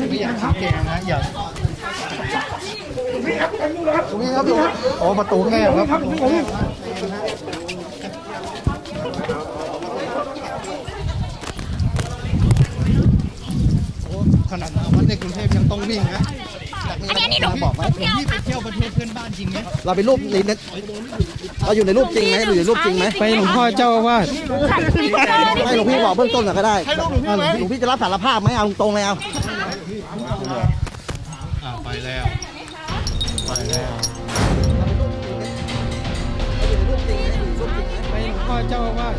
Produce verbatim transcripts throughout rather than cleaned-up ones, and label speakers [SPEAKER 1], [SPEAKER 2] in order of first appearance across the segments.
[SPEAKER 1] ไม่อยากชี้แจงนะอยากตรงนี้ครับตรงนี้ครับโอ้ประตูแคบครับขนาดวัดในกรุงเทพยังต้องวิ่งนะอันนี้หนูบอกว่าผมที่ไปเที่ยวประเทศเพื่อนบ้านจริงไหมเราไปรูปนี้เราอยู่ในรูปจริงไหมอยู่ในรูปจริงไหมไปหลวงพ่อเจ้าอาวาสให้หลวงพี่บอกเบื้องต้นก็ได้หลวงพี่จะรับสารภาพไหมเอาตรงเลยเอาไปแล้วไปแล้วไปหลวงพ่อเจ้าอาวาส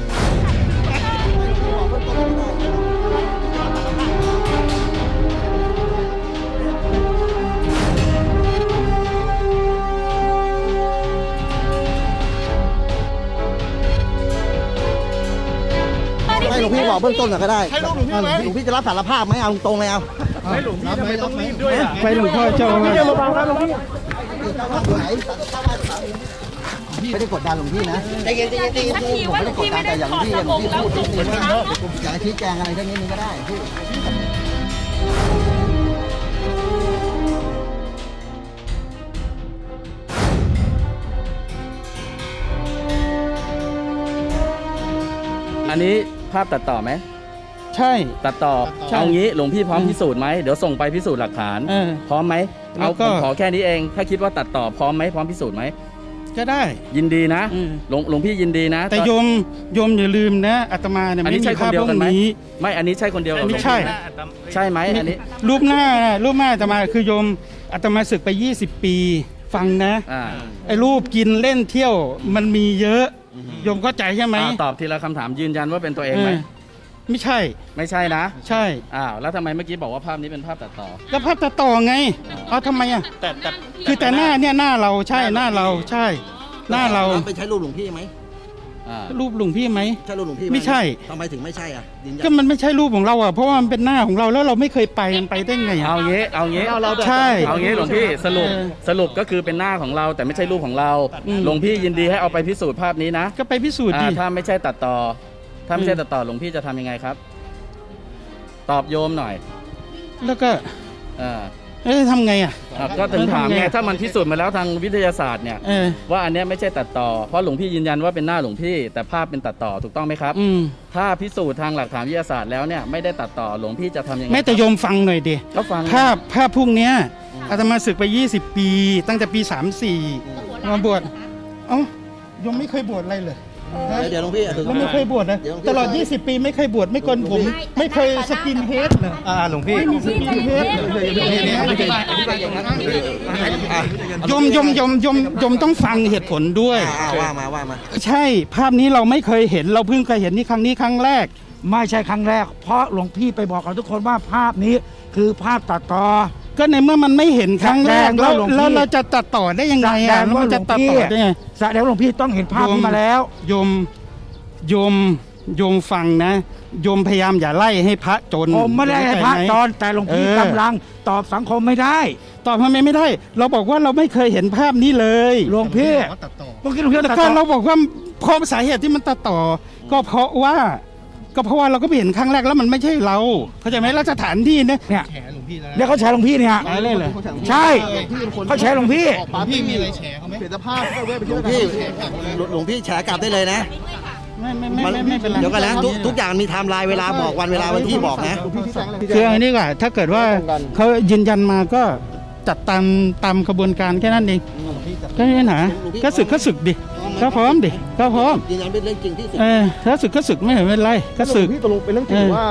[SPEAKER 1] ให้หลวงพี่บอกเบื้องต้นก็ได้หลวงพี่จะรับสารภาพไหมเอาตรงเลยเอาให้หลวงพี่ทำไมต้องรีบด้วยอ่ะไปหลวงพ่อเจ้าไม่ได้มาบังนะหลวงพี่ไม่ได้กดดันหลวงพี่นะใจเย็นใจเย็นใจเย็นผมไม่ได้กดดันแต่อย่างหลวงพี่หลวงพี่พูดนิดนึงว่าอยากชี้แจงอะไรทั้งนี้นึงก็ได้พี่
[SPEAKER 2] อันนี้ภาพตัดต่อไหม
[SPEAKER 1] ใช่
[SPEAKER 2] ตัดต่อเอางี้หลวงพี่พร้อมพิสูจน์ไหมเดี๋ยวส่งไปพิสูจน์หลักฐานพร้อมไหมเอาผมขอแค่นี้เองถ้าคิดว่าตัดต่อพร้อมไหมพร้อมพิสูจน์ไหม
[SPEAKER 1] ก็ได้
[SPEAKER 2] ยินดีนะหลวงหลวงพี่ยินดีนะ
[SPEAKER 1] แต่โยมโยมอย่าลืมนะอาตมาเนี่ยไม่มีภาพพวกนี้
[SPEAKER 2] ไม่อันนี้ใช่คนเดียว
[SPEAKER 1] ไม่ใช่
[SPEAKER 2] ใช่ไหมอันนี้
[SPEAKER 1] รูปหน้ารูปหน้าอาตมาคือโยมอาตมาศึกไปยี่สิบปีฟังนะไอ้รูปกินเล่นเที่ยวมันมีเยอะโยมเข้าใจใช่ไหม
[SPEAKER 2] ตอบทีละคำถามยืนยันว่าเป็นตัวเองไหม
[SPEAKER 1] ไม่ใช่
[SPEAKER 2] ไม่ใช่นะ
[SPEAKER 1] ใช่
[SPEAKER 2] อ้าวแล้วทำไมเมื่อกี้บอกว่าภาพนี้เป็นภาพตัดต่อ
[SPEAKER 1] ก็ภาพตัดต่อไงเอาทำไมอ่ะแต่แต่คือแต่หน้าเนี่ยหน้าเราใช่หน้าเราใช่หน้าเรา
[SPEAKER 3] ไปใช้รูปหลวงพี่ไหม
[SPEAKER 1] รูปหลวงพี่ไหม
[SPEAKER 3] ใช่รูปหลวงพี่
[SPEAKER 1] ไม่ใช่
[SPEAKER 3] ทำไมถึงไม่ใช่อ่ะ
[SPEAKER 1] ก็มันไม่ใช่รูปของเราอ่ะเพราะว่ามันเป็นหน้าของเราแล้วเราไม่เคยไปมันไปได้ไง
[SPEAKER 2] เอาเงี้ยเอาเงี้ยเอาเรา
[SPEAKER 1] ใช่
[SPEAKER 2] เอาเงี้ยหลวงพี่สรุปสรุปก็คือเป็นหน้าของเราแต่ไม่ใช่รูปของเราหลวงพี่ยินดีให้เอาไปพิสูจน์ภาพนี้นะ
[SPEAKER 1] ก็ไปพิสูจน์ดิ
[SPEAKER 2] ถ้าไม่ใช่ตัดต่อถ้าไม่ใช่ตัดต่อหลวงพี่จะทำยังไงครับตอบโยมหน่อย
[SPEAKER 1] แล้วก็เอ๊ะทำไงอ่ะ
[SPEAKER 2] ก็ถึงถามไงถ้ามันพิสูจน์มาแล้วทางวิทยาศาสตร์เนี่ยว่าอันนี้ไม่ใช่ตัดต่อเพราะหลวงพี่ยืนยันว่าเป็นหน้าหลวงพี่แต่ภาพเป็นตัดต่อถูกต้องไหมครับถ้าพิสูจน์ทางหลักฐานวิทยาศาสตร์แล้วเนี่ยไม่ได้ตัดต่อหลวงพี่จะทำยังไง
[SPEAKER 1] แม่แต่โยมฟังหน่อยดิ
[SPEAKER 2] ก็ฟัง
[SPEAKER 1] ภาพภาพพวกเนี้ยอาตมาศึกไปยี่สิบปีตั้งแต่ปีสามสี่มาบวชเอ้าโยมไม่เคยบวชอะไรเลย
[SPEAKER 3] เดี๋ยวหลวงพี่
[SPEAKER 1] แล้วไม่เคยบวชนะตลอดยี่สิบปีไม่เคยบวชไม่โกนผมไม่เคยสกินเฮดเลย
[SPEAKER 3] อ่าหลวงพี่
[SPEAKER 1] ไม่มีสกินเฮดยมยมยมยมยมต้องฟังเหตุผลด้วย
[SPEAKER 3] ว่ามาว่ามา
[SPEAKER 1] ใช่ภาพนี้เราไม่เคยเห็นเราเพิ่งเคยเห็นนี่ครั้งนี้ครั้งแรก
[SPEAKER 4] ไม่ใช่ครั้งแรกเพราะหลวงพี่ไปบอกกับทุกคนว่าภาพนี้คือภาพตัดต่อ
[SPEAKER 1] ก็ในเมื่อมันไม่เห็นครั้งแรกแล้วแล้วเราจะตัดต่อได้ยังไงอ่ะมันจะตัดต่อได้ไง
[SPEAKER 4] แสดงว่าหลวงพี่ต้องเห็นภาพนี้มาแล้ว
[SPEAKER 1] โยมโยมโยมฟังนะโยมพยายามอย่าไล่ให้พระจน
[SPEAKER 4] ผมไม่ได้ให้พระจนแต่หลวงพี่กำลังตอบสังคมไม่ได้
[SPEAKER 1] ตอบทำไมไม่ได้เราบอกว่าเราไม่เคยเห็นภาพนี้เลย
[SPEAKER 4] หลวงพี่
[SPEAKER 1] เมื่อกี้หลวงพี่ตัดต่อเราบอกว่าเพราะสาเหตุที่มันตัดต่อก็เพราะว่าก็เพราะว่าเราก็ไปเห็นครั้งแรกแล้วมันไม่ใช่เราเข้าใจไหมแล้วสถานที่เนี่ย
[SPEAKER 4] เนี่ยเนี่ยเขาแชร์หลวงพี่เนี่ย
[SPEAKER 1] อะไรเลย
[SPEAKER 4] ใช่เขาแชร์หลวงพี่
[SPEAKER 1] หลวงพี่มีอะไรแชร์เขาไหมเปลี่ยนสภาพ
[SPEAKER 3] หลวงพี่หลวงพี่แชร์กลับได้เลยนะ
[SPEAKER 1] ไม่ไม่ไม่ไม่เป็นไร
[SPEAKER 3] เดี๋ยวกันนะทุกอย่างมีไทม์ไลน์เวลาบอกวันเวลาวันที่บอกนะ
[SPEAKER 1] คืออันนี้ก่อนถ้าเกิดว่าเขายืนยันมาก็จัดตามตามกระบวนการแค่นั้นเองก็ไม่ปัญหาก็สึกก็สึกดิก็พร้อมดิก็พร้อม
[SPEAKER 3] ยืนยันเป็นเรื่องจริงที่สุด
[SPEAKER 1] เออถ้าสึกก็สึกไม่เห็นเป็นไรก็สึก
[SPEAKER 5] พี่ตกลงเป็นเรื่องจริงว่า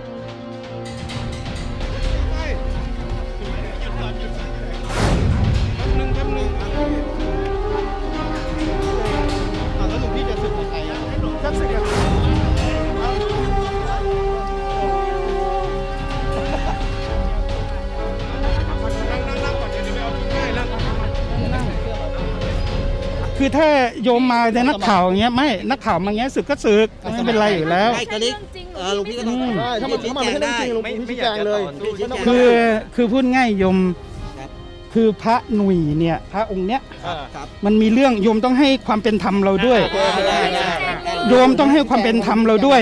[SPEAKER 1] คือถ้าโยมมาในนักข่าวอย่างเงี้ยไม่นักข่าวมาเงี้ยสึกก็สึกไม่เป็นไรอยู่แล้ว
[SPEAKER 3] ไม่กระดิกเออหลวงพี่ก็ต้อง
[SPEAKER 5] ได้ถ้ามันถ้ามันไม่ใช่เรื่องจริงหลวงพี่ชี้แจงเลย
[SPEAKER 1] คือคือพูดง่ายโยมคือพระหนุ่ยเนี่ยพระองค์เนี้ยมันมีเรื่องโยมต้องให้ความเป็นธรรมเราด้วยโยมต้องให้ความเป็นธรรมเราด้วย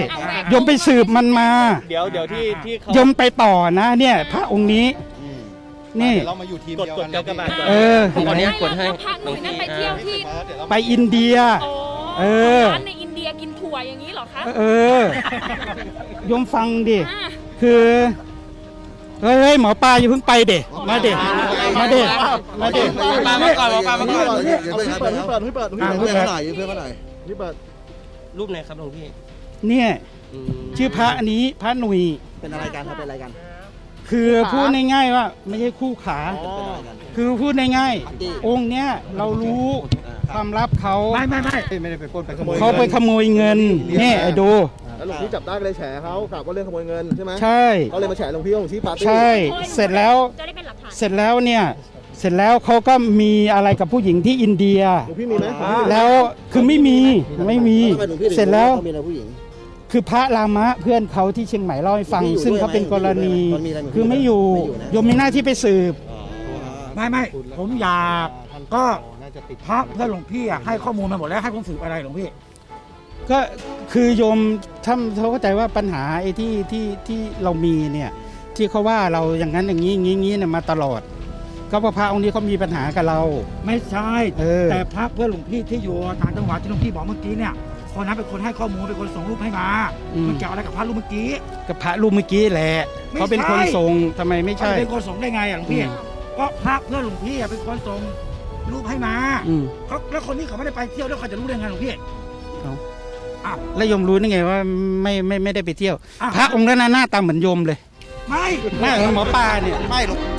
[SPEAKER 4] โยมไปสืบมันมา
[SPEAKER 5] เดี๋ยวเดี๋ยวที่ที่เขา
[SPEAKER 4] โยมไปต่อนะเนี่ย พระองค์นี้นี่
[SPEAKER 1] เรามาอยู่ทีม
[SPEAKER 5] กด
[SPEAKER 1] เดียว
[SPEAKER 5] ก
[SPEAKER 1] กั
[SPEAKER 5] ด
[SPEAKER 1] น
[SPEAKER 5] กากบาทก่อน
[SPEAKER 4] เออ
[SPEAKER 6] ตอนนี้กดให้
[SPEAKER 7] พระหนุ่ยนั่นไปเที่ยวที่
[SPEAKER 4] ไปอินเดีย
[SPEAKER 7] โอ้
[SPEAKER 4] เออ
[SPEAKER 7] ร้านในอินเดียกินถั่วอย่างนี้เหรอคะ
[SPEAKER 4] เออโยมฟังดิ
[SPEAKER 7] อ่า
[SPEAKER 4] คือเฮ้ยเฮ้ยหมอปลาอย่าเพิ่งไปเด็มาเด็มาเด็มาเด็
[SPEAKER 6] ปลามาก่อนปลามาก่อน
[SPEAKER 1] เดี๋ยวเปิดเปิดเปิดเปิด
[SPEAKER 4] อ่ะ
[SPEAKER 1] เพื่อนเขาหน่อยเพื่อนเขาหน่อย
[SPEAKER 5] นี่เปิด
[SPEAKER 6] รูปไหนครับหลวงพี่
[SPEAKER 4] เนี่ย
[SPEAKER 6] อืม
[SPEAKER 4] ชื่อพระอันนี้พระหนุ่ย
[SPEAKER 3] เป็นอะไรกันครับเป็นอะไรกัน
[SPEAKER 4] คือพูดง่ายๆว่าไม่ใช่คู่ขา
[SPEAKER 3] เป็นอะไรกัน
[SPEAKER 4] คือพูดง่าย
[SPEAKER 3] ปาร์ตี้
[SPEAKER 4] ๆองค์เนี้ยเรารู้ความลับเขา
[SPEAKER 5] ไม่ไม่ไม่
[SPEAKER 1] ไม่ได้ไปปล้นไปขโมย
[SPEAKER 4] เขาไปขโมยเงินเนี่ยไอ้ดู
[SPEAKER 5] แล้วหลวงพี่จับได้ก็เลยแฉเขากล่าวว่าเรื่องขโมยเงินใช่ไหม
[SPEAKER 4] ใช่
[SPEAKER 5] เขาเลยมาแฉหลวงพี่ว่าหลวงพี่ปาร์ตี้
[SPEAKER 4] ใช่ เสร็จแล้ว
[SPEAKER 7] จะได้เป็นหลักฐาน
[SPEAKER 4] เสร็จแล้วเนี่ย เสร็จแล้วเขาก็มีอะไรกับผู้หญิงที่อินเดีย
[SPEAKER 5] หลวงพี่มีไหม
[SPEAKER 4] แล้วคือไม่มีไม่มี
[SPEAKER 3] ทำไมหลวงพี่ถึง
[SPEAKER 4] เสร็จแล้ว
[SPEAKER 3] เขามีอะไรผู้หญิง
[SPEAKER 4] คือพระรามะเพื่อนเขาที่เชียงใหม่เล่าให้ฟัง
[SPEAKER 3] ไม่อยู่
[SPEAKER 4] ซึ่งเขาเป็นกรณี
[SPEAKER 3] ด้วยไหม
[SPEAKER 4] คือไม่อยู่
[SPEAKER 3] ไม่อยู่นะ
[SPEAKER 4] โยมมีหน้าที่ไปสืบไม่ไม่ผมอยากก็
[SPEAKER 1] น่าจะติด
[SPEAKER 4] พระเพื่อนหลวงพี่อะให้ข้อมูลมาหมดแล้วให้ผมสืบอะไรหลวงพี่ ก็คือโยมท่านเขาเข้าใจว่าปัญหาไอ้ที่ที่ที่เรามีเนี่ยที่เขาว่าเราอย่างนั้นอย่างนี้อย่างนี้อย่างนี้เนี่ยมาตลอด ก็เพราะพระองค์นี้เขามีปัญหากับเรา
[SPEAKER 8] ไม่ใช่
[SPEAKER 4] เออ
[SPEAKER 8] แต่พระเพื่อนหลวงพี่ที่อยู่ต่างจังหวัดที่หลวงพี่บอกเมื่อกี้เนี่ยคนนั้นเป็นคนให้ข้อมูลเป็นคนส่งรูปให้มามันเกี่ยวอะไรกับพระรูปเมื่อกี้
[SPEAKER 4] กับพระรูปเมื่อกี้แหละ
[SPEAKER 8] ไม่ใช่
[SPEAKER 4] เขาเป็นคนส่งทำไมไม่ใช่
[SPEAKER 8] เป็นคนส่งได้ไงอ่ะหลวงพี่
[SPEAKER 4] อืม
[SPEAKER 8] ก็พระเพื่อนหลวงพี่อะเป็นคนส่งรูปให้มา
[SPEAKER 4] อืม
[SPEAKER 8] เขาแล้วคนนี้เขาไม่ได้ไปเที่ยวแล้วเขาจะรู้ได้ไงหลวงพี่
[SPEAKER 4] เอา
[SPEAKER 8] อ้าว
[SPEAKER 4] แล้วโยมรู้ได้ไงว่าไม่ไม่ไม่ได้ไปเที่ยว
[SPEAKER 8] อ้าว
[SPEAKER 4] พระองค์นั้นน่ะหน้าตาเหมือนโยมเลย
[SPEAKER 8] ไม่
[SPEAKER 4] หน้าเหมือนหมอปลาเนี่ย
[SPEAKER 1] ไม่หรอก